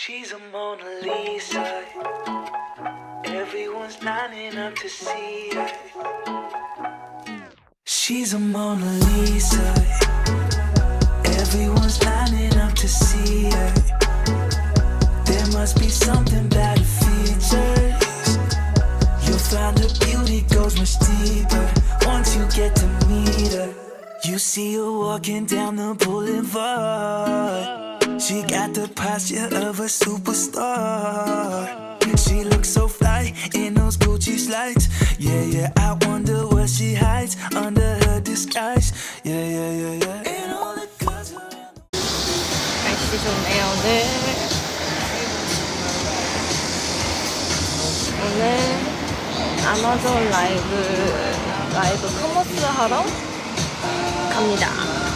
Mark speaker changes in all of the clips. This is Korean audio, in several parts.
Speaker 1: She's a Mona Lisa. Everyone's lining up to see her. She's a Mona Lisa. Everyone's lining up to see her. There must be something about her features. You'll find her beauty goes much deeper once you get to meet her. You see her walking down the boulevard. She got the posture of a superstar. She looks so fly in those Gucci slides. Yeah, yeah, I wonder what she hides under her disguise. Yeah, yeah, yeah, yeah. And all the girls around.
Speaker 2: 날씨 좋네요, 오늘. 오늘 아마존 라이브 커머스 하러 갑니다.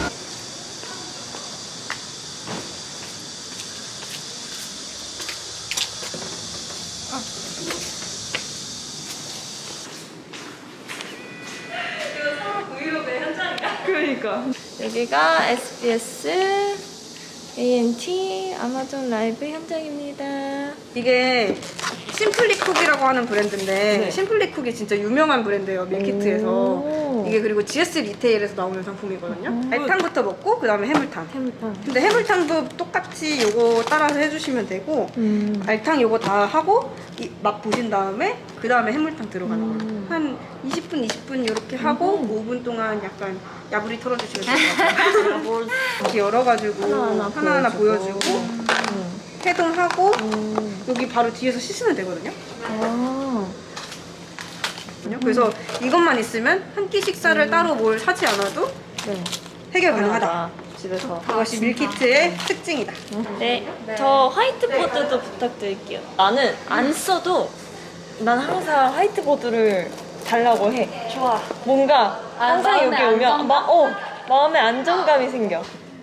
Speaker 2: 그러니까 여기가 SBS ANT 아마존 라이브 현장입니다.
Speaker 3: 이게 심플리쿡이라고 하는 브랜드인데
Speaker 2: 네.
Speaker 3: 심플리쿡이 진짜 유명한 브랜드예요, 밀키트에서.
Speaker 2: 오.
Speaker 3: 이게 그리고 GS 리테일에서 나오는 상품이거든요. 알탕부터 먹고 그 다음에 해물탕.
Speaker 2: 해물탕.
Speaker 3: 근데 해물탕도 똑같이 요거 따라서 해주시면 되고 알탕 요거 다 하고 맛 보신 다음에 그 다음에 해물탕 들어가는 거예요. 한 20분 이렇게 하고 5분 동안 약간 야부리 털어주시면 될 것 같아요. 이렇게 열어가지고 하나하나 보여주고 해동하고 여기 바로 뒤에서 씻으면 되거든요.
Speaker 2: 아.
Speaker 3: 그래서 이것만 있으면 한 끼 식사를 따로 뭘 하지 않아도
Speaker 2: 네.
Speaker 3: 해결 가능하다.
Speaker 2: 집에서.
Speaker 3: 그것이 밀키트의 특징이다.
Speaker 2: 네. 저 화이트보드도 부탁드릴게요. 나는 안 써도 난 항상 화이트보드를 달라고 해.
Speaker 4: 좋아.
Speaker 2: 뭔가 항상 여기
Speaker 4: 마음에
Speaker 2: 오면 마음에 안정감이 생겨.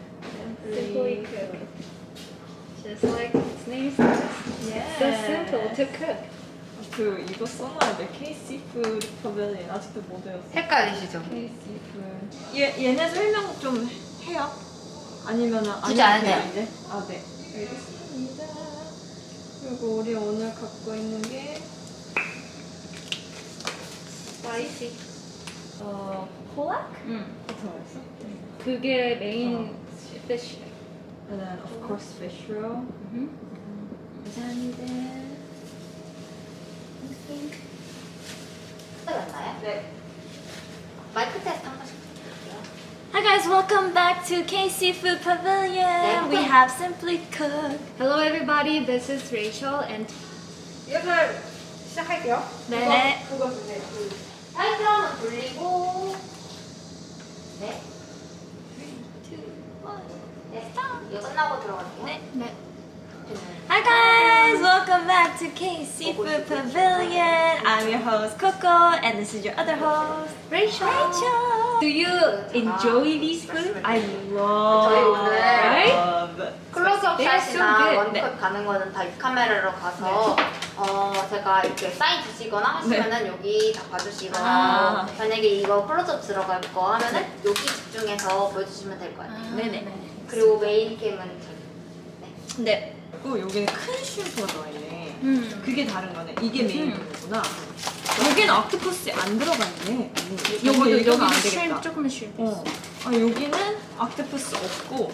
Speaker 4: Just like its name says. Yeah. So simple to cook.
Speaker 2: 그 이거 써놔야 돼. K-Seafood Pavilion 아직도 못 외웠어.
Speaker 4: 헷갈리시죠?
Speaker 2: 얘네 설명 좀 해요? 아니면은
Speaker 4: 굳이 안 해도 돼요.
Speaker 2: 이제? 아 네. 알겠습니다. 그리고 우리 오늘 갖고 있는 게
Speaker 4: 스파이시.
Speaker 2: 콜락?
Speaker 4: 응.
Speaker 2: 어떻게 말했어?
Speaker 4: 그게 메인 fish.
Speaker 2: And then of course fish roll. 감사합니다.
Speaker 5: 맞나요?
Speaker 2: 네.
Speaker 5: 마이크 테스트 한 번씩 부탁드릴게요.
Speaker 2: Hi guys, welcome back to K-Seafood Pavilion. We have Simply Cooked.
Speaker 4: Hello everybody, this is Rachel and
Speaker 3: 이것을 시작할게요.
Speaker 2: 네.
Speaker 3: 그거 주세요.
Speaker 5: 타이틀 한번 돌리고 네.
Speaker 2: 2, 1.
Speaker 5: 네. 이거 끝나고 들어갈게요.
Speaker 2: 네. Hi guys, welcome back to K-Seafood Pavilion. I'm your host Coco, and this is your other host
Speaker 4: Rachel.
Speaker 2: Rachel.
Speaker 4: Do you enjoy these food?
Speaker 2: I
Speaker 5: 저희
Speaker 2: love.
Speaker 5: 오늘 클로즈업
Speaker 4: They are so
Speaker 5: 샷이나
Speaker 4: good.
Speaker 5: 원컷 가는 거는 다 이 카메라로 가서 제가 이렇게 사인 주시거나 하시면은 여기 다 봐주시거나
Speaker 2: 아.
Speaker 5: 만약에 이거 클로즈업 들어갈 거 하면은 여기 집중해서 보여주시면 될 것 같아요.
Speaker 2: 네네.
Speaker 5: 그리고 메인 캠은 저기.
Speaker 2: 네. 그리고 여기는 큰 슈퍼가 들어있네. 그게 다른 거네. 이게 메인 거구나. 여기는 옥토퍼스 안 들어가 있네. 얘기가 안 되겠다.
Speaker 4: 쉼 조금만 쉼.
Speaker 2: 아 여기는 옥토퍼스 없고.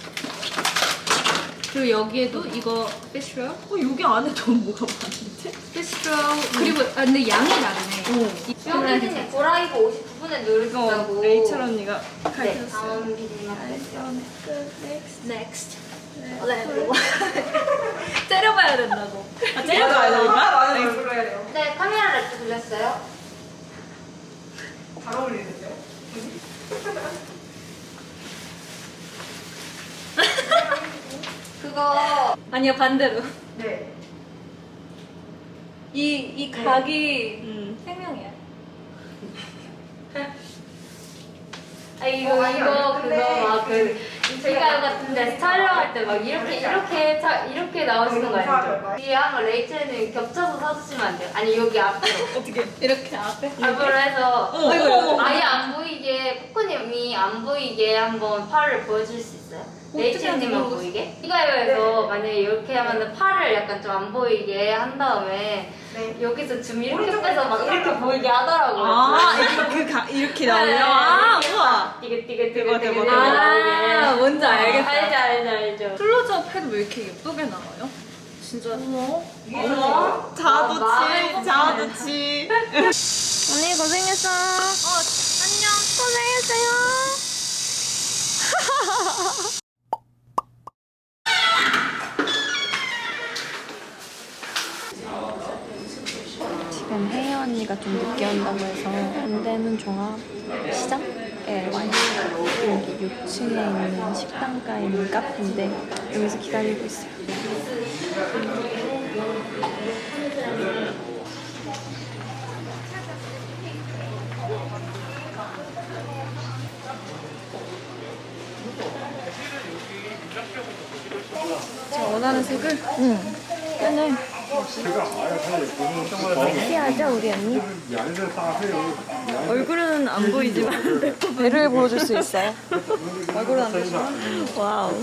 Speaker 4: 그리고 여기에도 이거 fish roll,
Speaker 2: 여기 안에 더 뭐가 많은데?
Speaker 4: fish roll 그리고 근데 양이 다르네.
Speaker 5: 수영피디님 고라이브 59분에
Speaker 2: 이거
Speaker 5: 누르신다고.
Speaker 2: 레이첼 언니가
Speaker 5: 네,
Speaker 2: 가르쳤어요.
Speaker 5: 다음 피디님한테 했어요.
Speaker 4: Next.
Speaker 5: 네.
Speaker 2: 때려봐야 된다고. 아 때려봐야 되는 거야?
Speaker 3: 나는 불러야 돼요.
Speaker 5: 네, 카메라 랩도 돌렸어요.
Speaker 3: 잘 어울리는데요?
Speaker 5: 그거
Speaker 4: 아니요 반대로.
Speaker 3: 네.
Speaker 4: 이 각이 생명이야.
Speaker 5: 이거 그거 막그 제가 같은데 촬영할 때 막 이렇게 나오시는 거 아니죠? 뒤에 한번 레이첼님 겹쳐서 서주시면 안 돼요? 아니 여기 앞으로
Speaker 2: 어떻게?
Speaker 4: 이렇게 앞에.
Speaker 5: 앞으로 해서
Speaker 2: 아이고.
Speaker 5: 아예 안 보이게 코코님이 안 보이게 한번 팔을 보여줄 수 있어요? 레이첼님만 보이게? 이가요에서 만약에 이렇게 하면 팔을 약간 좀 안 보이게 한 다음에 여기서 좀 이렇게 빼서 막 이렇게 보이게 하더라고요.
Speaker 2: 이렇게 나오면 아 우와.
Speaker 5: 띠게
Speaker 2: 아 뭔지 알겠다.
Speaker 5: 알죠.
Speaker 2: 클로즈업 해도 왜 이렇게 예쁘게 나와요? 진짜
Speaker 5: 아,
Speaker 2: 자두치.
Speaker 3: 언니 고생했어.
Speaker 2: 안녕.
Speaker 3: 고생했어요. 지금 혜희 언니가 좀 늦게 온다고 해서 현대문 종합시장에 와요. 여기 6층에 있는 식당가에 있는 카페인데 여기서 기다리고 있어요. 제가 원하는 색을? 응. 빼네. 섹시하죠, 우리 언니? 얼굴은 안 보이지만 배를 보여줄 수 있어요. 얼굴은 안 보이지만. 와우.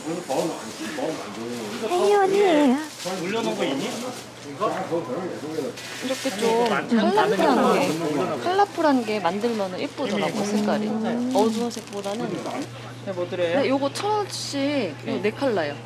Speaker 3: 혜이 언니예요. 이렇게 좀 컬러풀한 게 만들면 예쁘더라고, 색깔이. 어두운 색보다는.
Speaker 2: 뭐 드려요?
Speaker 3: 네, 요거 1,000원씩 네 컬러요.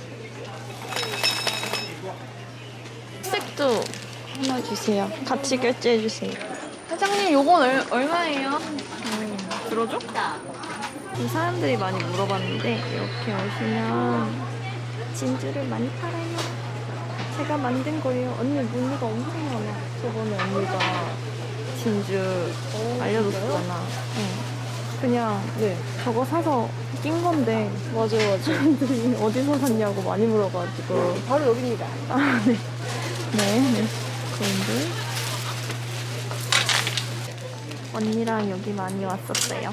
Speaker 3: 색도 하나 주세요. 같이 결제해 주세요. 사장님, 요건 얼마예요? 들어줘? 이 사람들이 많이 물어봤는데 이렇게 오시면 진주를 많이 팔아요. 제가 만든 거예요. 언니 무늬가 엄청 많아. 저번에 언니가 진주 알려줬잖아. 응. 그냥 저거 사서 낀 건데 맞아 사람들이 어디서 샀냐고 많이 물어가지고 바로 여기입니다. 아 네. 네. 그런데 언니랑 여기 많이 왔었어요.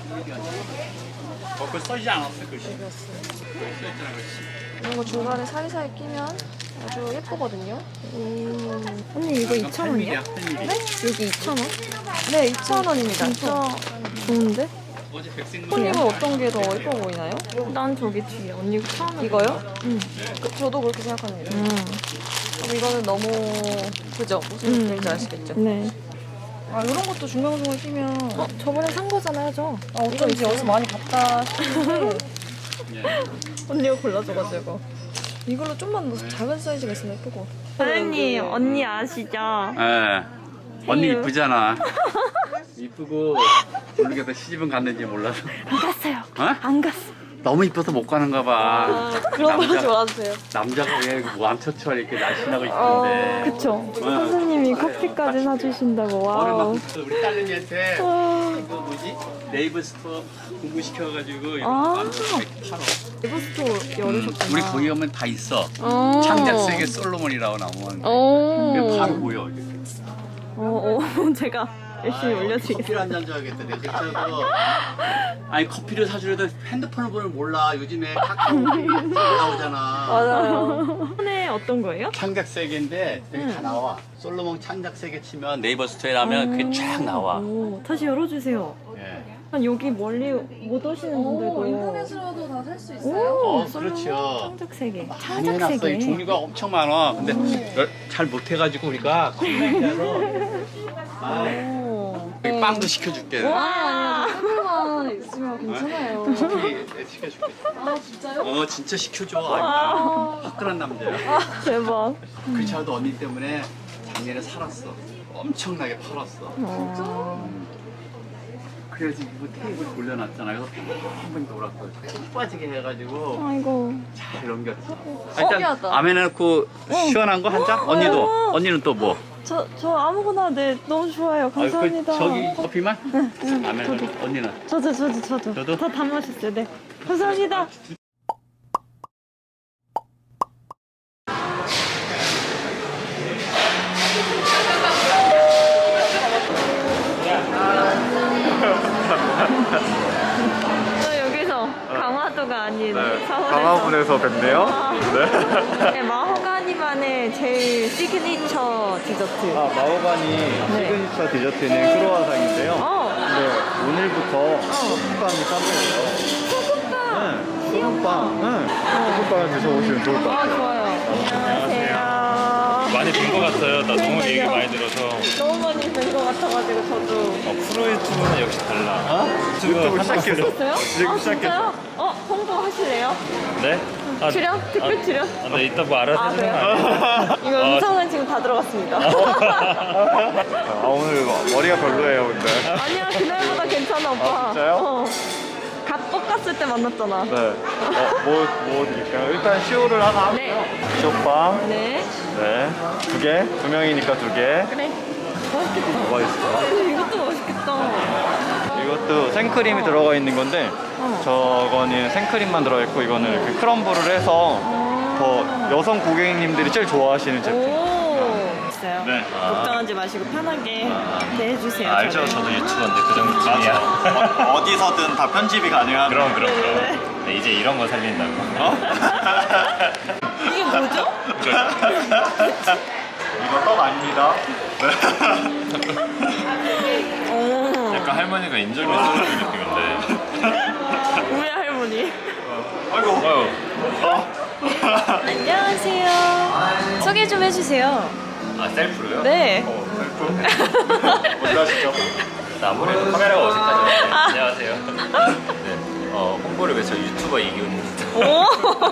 Speaker 6: 그 써지지 않았어 글씨.
Speaker 3: 이런 거 중간에 사이사이 끼면 아주 예쁘거든요. 언니 이거 2,000원이야? 네? 여기 2,000원? 네 2,000원입니다. 진짜 좋은데?
Speaker 6: 어제 백색
Speaker 3: 언니는 어떤 게 더 예뻐 보이나요? 난 저기 뒤에 언니 처음에 이거요? 응. 저도 그렇게 생각합니다. 그럼 이거는 너무 그죠? 무슨 느낌인지 아시겠죠? 네. 아 이런 것도 중간중간 끼면 저번에 산 거잖아요, 저. 아 어쩐지 어디서 많이 봤다 싶은데 언니가 골라줘가지고 이걸로 좀만 더 작은 사이즈가 있으면 예쁘고. 사장님 언니 아시죠?
Speaker 6: 예. 언니 이쁘잖아. 이쁘고 모르겠어 시집은 갔는지 몰라서.
Speaker 3: 안 갔어요.
Speaker 6: 어?
Speaker 3: 안 갔어.
Speaker 6: 너무 이뻐서 못 가는가 봐.
Speaker 3: 그런 거
Speaker 6: 남자-
Speaker 3: 좋아하세요?
Speaker 6: 남자가 왜 왕처처럼 이렇게 날씬하고 이쁜데.
Speaker 3: 그쵸. 선생님이 커피까지 사주신다고.
Speaker 6: 오늘
Speaker 3: 와우.
Speaker 6: 막 우리 딸내미한테 이거 뭐지? 네이버 스토어 공부시켜가지고 이거 만들어서 이렇게 팔어.
Speaker 3: 네이버스토어 열으셨구나.
Speaker 6: 우리 거기 가면 다 있어.
Speaker 3: 어.
Speaker 6: 창작세계 솔로몬이라고 나오면
Speaker 3: 오.
Speaker 6: 바로 보여. 이렇게.
Speaker 3: 제가 열심히 올려드리겠습니다.
Speaker 6: 커피를 한 잔 줘야겠다. 내 집에서 아니 커피를 사주려도 핸드폰을 보면 몰라. 요즘에 카카오 나오잖아.
Speaker 3: 맞아요. 손에 어떤 거예요?
Speaker 6: 창작세계인데 여기 다 나와. 솔로몬 창작세계 치면 네이버 스토어에 하면 그게 쫙 나와.
Speaker 3: 오, 다시 열어주세요.
Speaker 6: 예.
Speaker 3: 한 여기 멀리 못 오시는 분들도
Speaker 2: 인터넷으로도 다 살 수 있어요.
Speaker 3: 오,
Speaker 6: 그렇죠.
Speaker 3: 창작세계.
Speaker 6: 많이 해놨어. 이
Speaker 3: 창작세계.
Speaker 6: 종류가 엄청 많아. 근데 잘 못해가지고 우리가 콘라인으로
Speaker 3: 오.
Speaker 6: 빵도 시켜줄게.
Speaker 3: 와.
Speaker 2: 만 있으면 괜찮아요.
Speaker 6: 커피 시켜줄게.
Speaker 2: 아 진짜요?
Speaker 6: 진짜 시켜줘. 아, 화끈한 남자야.
Speaker 3: 대박.
Speaker 6: 그렇지 않아도 언니 때문에 작년에 살았어. 엄청나게 팔았어. 그래서 이거 테이블 돌려놨잖아. 그래서 한번 돌았어. 푹 빠지게 해가지고
Speaker 3: 아이고.
Speaker 6: 잘 넘겼지.
Speaker 3: 신기하다.
Speaker 6: 아메 넣고 시원한 거 한 잔? 언니도. 언니는 또 뭐?
Speaker 3: 저 아무거나 네 너무 좋아요. 감사합니다.
Speaker 6: 저기 커피만? 아메 언니는?
Speaker 3: 저도 다 마셨어요. 네. 감사합니다. 저 여기서 강화도가 아닌 서울에서
Speaker 7: 강화군에서 뵙네요.
Speaker 3: 네, 마호가니만의 제일 시그니처 디저트.
Speaker 7: 마호가니 시그니처 디저트는 크로와상인데요.
Speaker 3: 어,
Speaker 7: 네, 오늘부터 소금빵이 깜짝이에요.
Speaker 3: 소금빵.
Speaker 7: 네, 볶음밥. 응. 볶음밥을 드셔보시면 좋을 것 같아요.
Speaker 2: 좋아요. 안녕하세요.
Speaker 8: 많이 본 것 같아요. 나 너무 얘기 많이 들어서.
Speaker 2: 너무 많이 뵌 것 같아가지고 저도.
Speaker 8: 프로 유튜브는 역시 달라.
Speaker 7: 유튜브 시작했어.
Speaker 2: 있어요?
Speaker 7: 지금 시작했어.
Speaker 2: 진짜요? 홍보하실래요?
Speaker 8: 네? 아,
Speaker 2: 출연? 특별 출연?
Speaker 8: 네, 이따 뭐 알아서
Speaker 2: 아,
Speaker 8: 해주는 거
Speaker 2: 그래요?
Speaker 8: 아니에요?
Speaker 2: 이거 음성은 지금 다 들어갔습니다.
Speaker 7: 아, 오늘 머리가 별로예요, 근데.
Speaker 2: 아니야, 그날보다 괜찮아, 오빠.
Speaker 7: 아, 진짜요?
Speaker 2: 갓 볶았을 때 만났잖아.
Speaker 7: 네. 뭐 드릴까요? 일단 시오를 하나
Speaker 2: 네.
Speaker 7: 할게요. 시오빵.
Speaker 2: 네.
Speaker 7: 네. 2개. 2명이니까 2개.
Speaker 2: 그래. 맛있겠다.
Speaker 7: 뭐가 있어?
Speaker 2: 이것도 맛있겠다.
Speaker 7: 이것도 생크림이 들어가 있는 건데 저거는 생크림만 들어있고 이거는 그 크럼블을 해서 더 여성 고객님들이 제일 좋아하시는 제품.
Speaker 2: 오. 있어요.
Speaker 8: 네.
Speaker 2: 걱정하지 마시고 편하게 네, 해주세요.
Speaker 8: 알죠? 저도 유튜버인데 그 정도쯤이야.
Speaker 7: 어디서든 다 편집이 가능한.
Speaker 8: 그럼. 네, 이제 이런 거 살린다고.
Speaker 2: 이게 뭐죠?
Speaker 7: 이거 떡 아닙니다.
Speaker 2: 오.
Speaker 8: 약간 할머니가 인절미 썰어주는 느낌인데.
Speaker 2: 우리 할머니.
Speaker 7: 아이고.
Speaker 8: 어휴.
Speaker 2: 안녕하세요. 소개 좀 해주세요.
Speaker 8: 아, 셀프로요?
Speaker 2: 네.
Speaker 7: 어디 하시죠?
Speaker 8: 아무래도 카메라가 어색하죠. 안녕하세요. 네. 홍보를 위해서 유튜버 이기훈입니다.
Speaker 2: 오.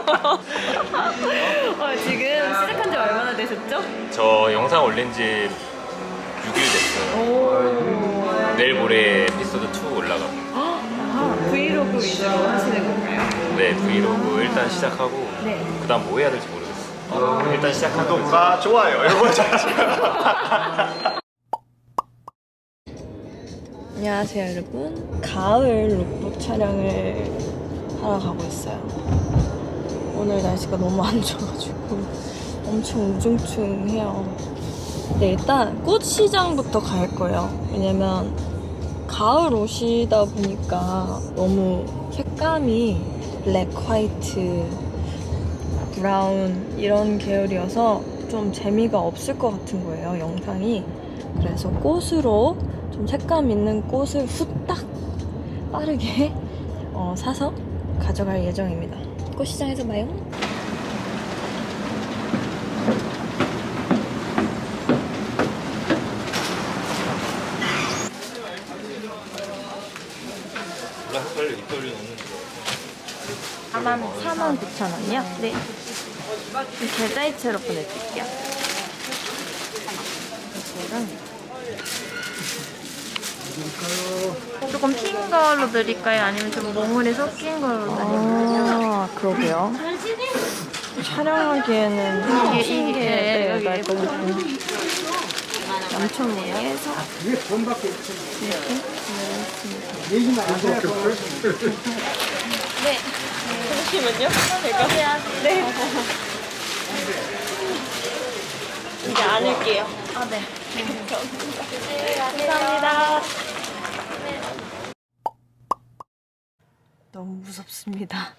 Speaker 2: 지금 시작한 지 얼마나 되셨죠?
Speaker 8: 저 영상 올린 지 6일 됐어요.
Speaker 2: 오.
Speaker 8: 내일 모레 에피소드 2 올라갑니다.
Speaker 2: 아, 브이로그 위주로 하시는 건가요?
Speaker 8: 네, 브이로그 일단 시작하고
Speaker 2: 네.
Speaker 8: 그 다음 뭐 해야 될지 모르겠어요. 일단 시작하는 거지.
Speaker 7: 구독과 좋아요 이거
Speaker 2: 안녕하세요 여러분. 가을 룩북 촬영을 하러 가고 있어요. 오늘 날씨가 너무 안 좋아가지고 엄청 우중충해요. 네, 일단 꽃시장부터 갈 거예요. 왜냐면 가을 옷이다 보니까 너무 색감이 블랙, 화이트, 브라운 이런 계열이어서 좀 재미가 없을 것 같은 거예요, 영상이. 그래서 꽃으로 좀 색감 있는 꽃을 후딱 빠르게 사서 가져갈 예정입니다. 꽃시장에서 봐요.
Speaker 8: 빨리 이빨리 넣는
Speaker 2: 49,000원이요? 네. 계좌이체로 보내드릴게요.
Speaker 9: 조금 핀 걸로 드릴까요? 아니면 좀 몽울이 섞인 걸로 드릴까요?
Speaker 2: 아, 그러게요. 촬영하기에는
Speaker 9: 이게 여기
Speaker 2: 날것 같고. 남천문에서
Speaker 9: 네.
Speaker 2: 잠시만요. 제가 네. 이제 안을게요.
Speaker 9: 아, 네.
Speaker 2: 감사합니다. 너무 무섭습니다.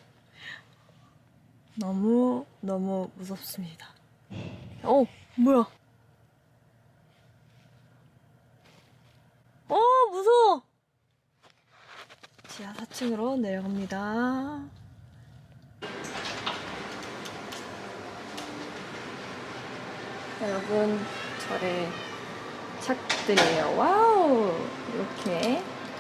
Speaker 2: 너무 무섭습니다. 뭐야? 무서워. 지하 4층으로 내려갑니다. 여러분, 저의 착들이에요. 와우! 이렇게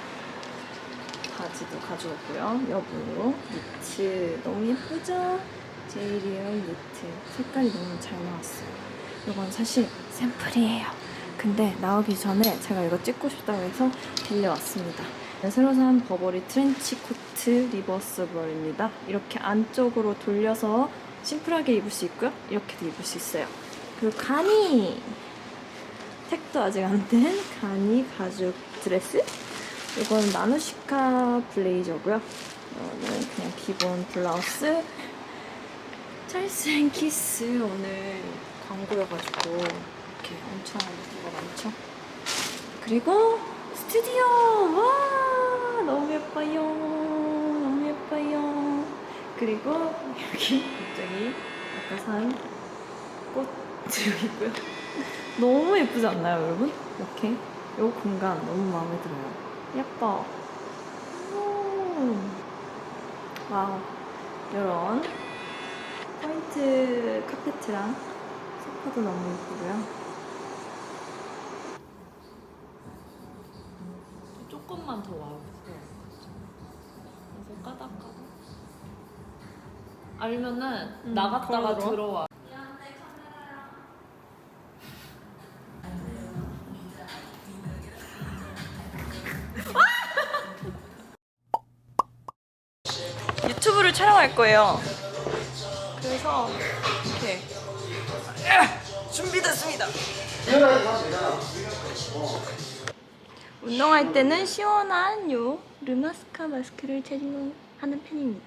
Speaker 2: 바지도 가져왔고요. 여분으로 니트 너무 예쁘죠? 제이리움 니트 색깔이 너무 잘 나왔어요. 이건 사실 샘플이에요. 근데 나오기 전에 제가 이거 찍고 싶다고 해서 빌려왔습니다. 새로 산 버버리 트렌치 코트 리버스블입니다. 이렇게 안쪽으로 돌려서 심플하게 입을 수 있고요. 이렇게도 입을 수 있어요. 그리고 가니! 택도 아직 안 된 가니 가죽 드레스. 이건 나누시카 블레이저고요. 이거는 그냥 기본 블라우스. 찰스 앤 키스 오늘 광고여가지고 이렇게 엄청 뭐가 많죠. 그리고 스튜디오! 와! 너무 예뻐요. 너무 예뻐요. 그리고 여기 갑자기 아까 산 꽃 여기 있고요. 너무 예쁘지 않나요, 여러분? 이렇게 이 공간 너무 마음에 들어요. 예뻐. 와우. 이런 포인트 카페트랑 소파도 너무 예쁘고요. 조금만 더 와주세요. 그래서 까닥까닥. 아니면은 나갔다가 들어와. 유튜브를 촬영할 거예요. 그래서 이렇게 준비됐습니다. 운동할 때는 시원한 요 르마스카 마스크를 착용하는 편입니다.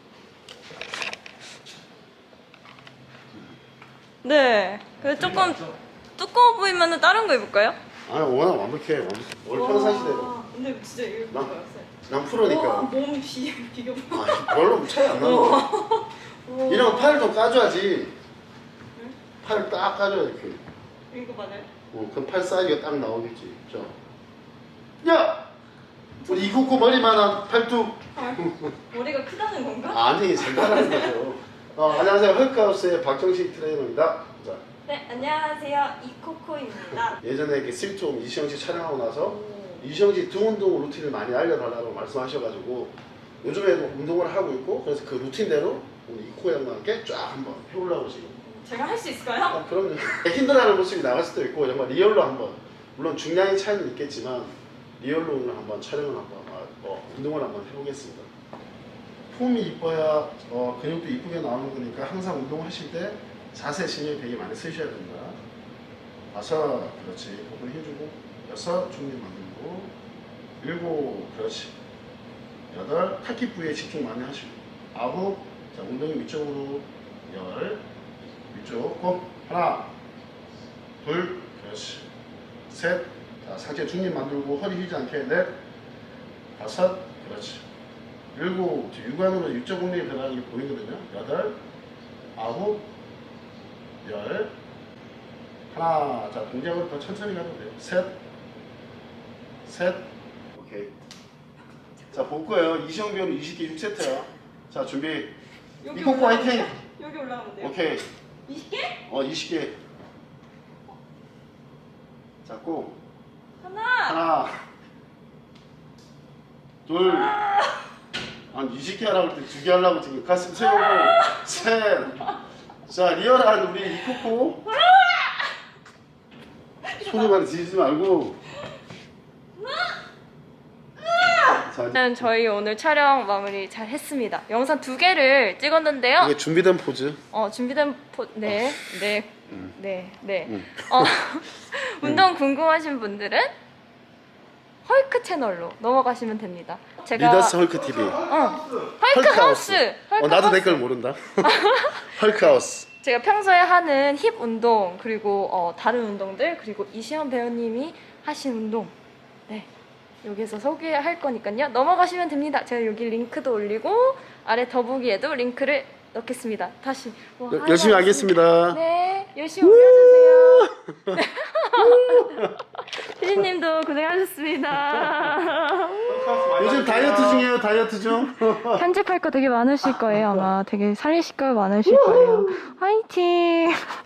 Speaker 2: 네. 그래서 조금 두꺼워 보이면 다른 거 입을까요?
Speaker 10: 아니 워낙 완벽해. 원래 평상시대로.
Speaker 2: 근데 진짜 이거
Speaker 10: 난 프로니까.
Speaker 2: 몸 비교봐.
Speaker 10: 아, 별로 차이 안 나는 거. 이런 팔 좀 까줘야지. 팔 딱 까줘야 이렇게.
Speaker 2: 이거 맞아요?
Speaker 10: 그럼 팔 사이즈가 딱 나오겠지. 자. 야! 우리 이국구 머리만한 팔뚝.
Speaker 2: 머리가 크다는 건가?
Speaker 10: 아니, 생각하는 거죠. 안녕하세요. 헐크하우스의 박정식 트레이너입니다. 자.
Speaker 2: 네, 안녕하세요. 이코코입니다.
Speaker 10: 예전에 이렇게 슬좀 이시영 씨 촬영하고 나서 이시영 씨 등 운동 루틴을 많이 알려달라고 말씀하셔가지고 요즘에도 운동을 하고 있고 그래서 그 루틴대로 우리 이코 양과 함께 쫙 한번 해보려고 지금.
Speaker 2: 제가 할 수 있을까요?
Speaker 10: 그럼요. 힘들어하는 모습이 나갈 수도 있고 정말 리얼로 한번 물론 중량의 차이는 있겠지만 리얼로 오늘 한번 촬영을 한번 운동을 한번 해보겠습니다. 폼이 이뻐야 근육도 이쁘게 나오는 거니까 항상 운동하실 때 자세 신경 되게 많이 쓰셔야 됩니다. 5, 그렇지. 복근 해주고 6, 중립 만들고 7, 그렇지. 8, 팔기 부위에 집중 많이 하시고 9, 자 엉덩이 위쪽으로 10, 위쪽 꼭 하나, 둘, 그렇지. 셋, 자 상체 중립 만들고 허리 휘지 않게 넷, 5, 그렇지. 7, 육안으로 위쪽 엉덩이 변하는 게 보이거든요. 8, 9, 10, 하나, 자 동작을 더 천천히 가도 돼요. 셋, 오케이. 자 볼 거예요. 이시영 배우는 20개 6세트야. 자 준비. 이코코 화이팅.
Speaker 2: 여기 올라가면 돼요?
Speaker 10: 오케이.
Speaker 2: 20개?
Speaker 10: 20개. 잡고
Speaker 2: 하나.
Speaker 10: 둘. 한 20개 하라고 할 때 2개 하려고 지금 가슴 세우고 셋. 자 리얼한 우리 이코코. 소리 많이 지르지 말고. 자,
Speaker 2: 저희 오늘 촬영 마무리 잘 했습니다. 영상 2개를 찍었는데요.
Speaker 10: 이게 준비된 포즈.
Speaker 2: 준비된 네. 운동 궁금하신 분들은 헐크 채널로 넘어가시면 됩니다. 제가
Speaker 10: 리더스 헐크 TV.
Speaker 2: 헐크 하우스.
Speaker 10: 나도 댓글 모른다. 헐크 하우스.
Speaker 2: 제가 평소에 하는 힙 운동 그리고 다른 운동들 그리고 이시연 배우님이 하신 운동 여기서 소개할 거니까요. 넘어가시면 됩니다. 제가 여기 링크도 올리고 아래 더보기에도 링크를 넣겠습니다. 다시
Speaker 10: 열심히 하겠습니다.
Speaker 2: 네, 열심히 올려주세요. 피디님도 고생하셨습니다.
Speaker 10: 요즘 다이어트 중이에요. 다이어트 중.
Speaker 2: 편집할 거 되게 많으실 거예요. 아마 되게 살리실 거 많으실 거예요. 화이팅!